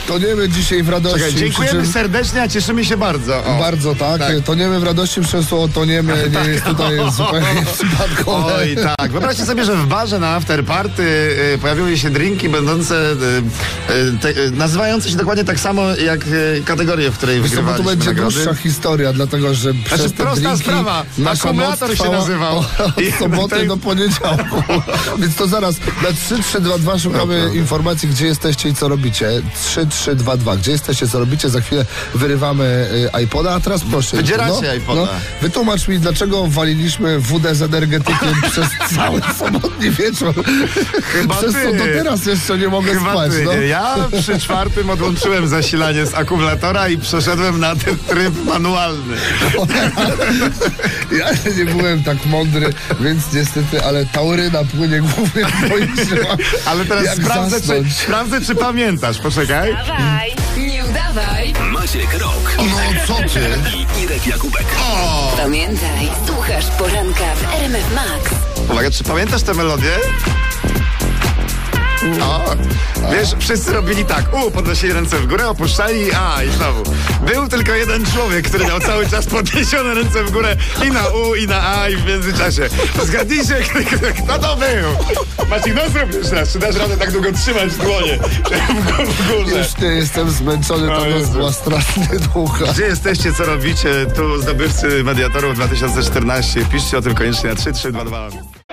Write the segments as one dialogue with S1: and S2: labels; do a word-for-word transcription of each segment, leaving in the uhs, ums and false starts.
S1: toniemy dzisiaj w radości.
S2: Czekaj, dziękujemy czym... serdecznie, a cieszymy się bardzo. O.
S1: Bardzo, tak. tak. Toniemy w radości, przez to toniemy, nie tak. jest tutaj zupełnie przypadkowe.
S2: Oj, tak. Wyobraźcie sobie, że w barze na afterparty y, pojawiły się drinki będące, y, y, te, y, nazywające się dokładnie tak samo jak y, kategorie, w której
S1: Wiesz,
S2: wygrywaliśmy
S1: to będzie
S2: nagrody.
S1: dłuższa historia, dlatego że
S2: znaczy,
S1: przez te
S2: prosta
S1: drinki
S2: sprawa. Akumulator się nazywał.
S1: Od soboty do poniedziałku. Więc to zaraz na trzy trzy dwa dwa szukamy no, informacji, gdzie jesteście i co robicie. trzy trzy dwa dwa. Gdzie jesteście, co robicie? Za chwilę wyrywamy y, iPoda, a teraz proszę.
S2: Wydzieracie
S1: no,
S2: iPoda.
S1: No, wytłumacz mi, dlaczego waliliśmy wódę z energetykiem przez cały sobotni wieczór.
S2: Chyba
S1: przez
S2: ty.
S1: co do teraz jeszcze nie mogę
S2: Chyba
S1: spać.
S2: Ty.
S1: No.
S2: Ja przy czwartym odłączyłem zasilanie z akumulatora i przeszedłem na ten tryb manualny.
S1: Ja nie byłem tak mądry, więc niestety, ale tauryna płynie głównie w moich żyłach.
S2: Ale teraz sprawdzę czy, sprawdzę, czy pamiętasz. Poczekaj.
S3: Dawaj, nie udawaj.
S4: Maciek Rok.
S1: No co ty?
S4: I Irek Jakubek.
S2: O!
S3: Pamiętaj, słuchasz poranka w R M F Max.
S2: Uwaga, czy pamiętasz tę melodię? O, wiesz, wszyscy robili tak. U, podnosili ręce w górę, opuszczali, a i znowu. Był tylko jeden człowiek, który miał cały czas podniesione ręce w górę i na U, i na A, i w międzyczasie. Zgadnijcie, kto to był? Maciek, no zrób jeszcze raz. Czy dasz radę tak długo trzymać dłonie w górze?
S1: Już nie jestem zmęczony, ta noc była strasznie długa.
S2: Gdzie jesteście, co robicie? Tu zdobywcy Mediatorów dwa tysiące czternaście. Piszcie o tym koniecznie na trzy trzy dwa dwa.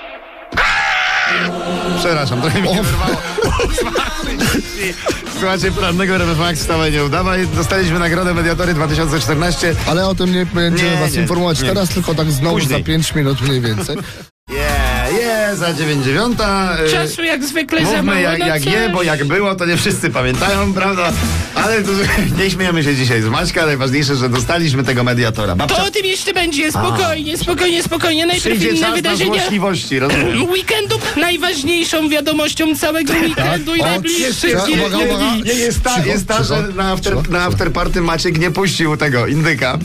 S2: Przepraszam, trochę mi nie wyrwało. Słuchajcie, porannego R M F Max, wstawaj, nie udawaj. Dostaliśmy nagrodę Mediatory dwa tysiące czternaście.
S1: Ale o tym nie będziemy
S2: Nie,
S1: was
S2: nie,
S1: informować
S2: nie.
S1: teraz, tylko tak znowu
S2: Później.
S1: za pięć minut mniej więcej.
S2: Je, je, za dziewięć dziewiąta. y,
S5: Czasu jak zwykle za mało
S2: Mówmy jak,
S5: na
S2: jak
S5: coś.
S2: je, bo jak było, to nie wszyscy pamiętają, prawda? Ale to, nie śmiejemy się dzisiaj z Maćka, najważniejsze, że dostaliśmy tego Mediatora. Babcia,
S5: To o tym jeszcze będzie, spokojnie, spokojnie, spokojnie. Najpierw
S2: przyjdzie
S5: inne
S2: czas na
S5: wydarzenia
S2: złośliwości, rozumiem.
S5: weekendu. Najważniejszą wiadomością całego weekendu i
S1: O,
S5: najbliższych
S1: jeszcze-
S5: dni.
S1: uwaga, uwaga.
S2: Nie, jest ta,
S1: Cicho,
S2: jest ta
S1: cicho,
S2: że na, after,
S1: cicho,
S2: na
S1: cicho.
S2: afterparty Maciek nie puścił tego indyka.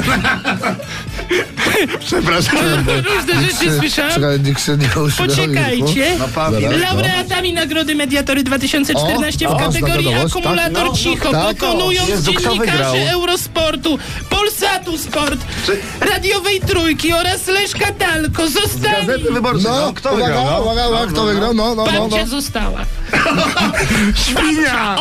S2: Przepraszam.
S5: Różne rzeczy słyszałam.
S1: Czekaj, nikt się nie uśmiał.
S5: Poczekajcie.
S2: No, Paweł.
S1: Zaraz.
S5: Laureatami Nagrody Mediatory dwa tysiące czternaście
S1: O,
S5: w
S1: o,
S5: kategorii
S1: wiadomość, tak?
S5: Akumulator
S2: No,
S5: Cicho,
S1: tak.
S5: pokonując
S2: Jezu, kto wygrał?
S5: dziennikarzy Eurosportu, Polsatu Sport,
S2: Czy-
S5: Radiowej Trójki oraz Leszka Dalko zostali.
S2: Gazety Wyborczej. No,
S1: No,
S2: kto
S1: uwaga,
S2: wygrał? No?
S1: uwaga, uwaga, kto wygrał? No, no, no, no.
S5: Babcia została.
S2: Świnia!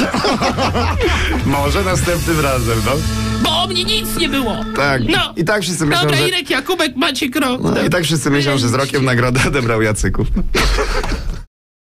S2: Może następnym razem, no.
S5: Bo o mnie nic nie było.
S2: Tak.
S5: No.
S2: I tak wszyscy myślą,
S5: Dobra,
S2: że...
S5: Irek Jakubek, Maciek Rok.
S2: No, i tak wszyscy myślą, że z rokiem nagrodę odebrał Jacyków.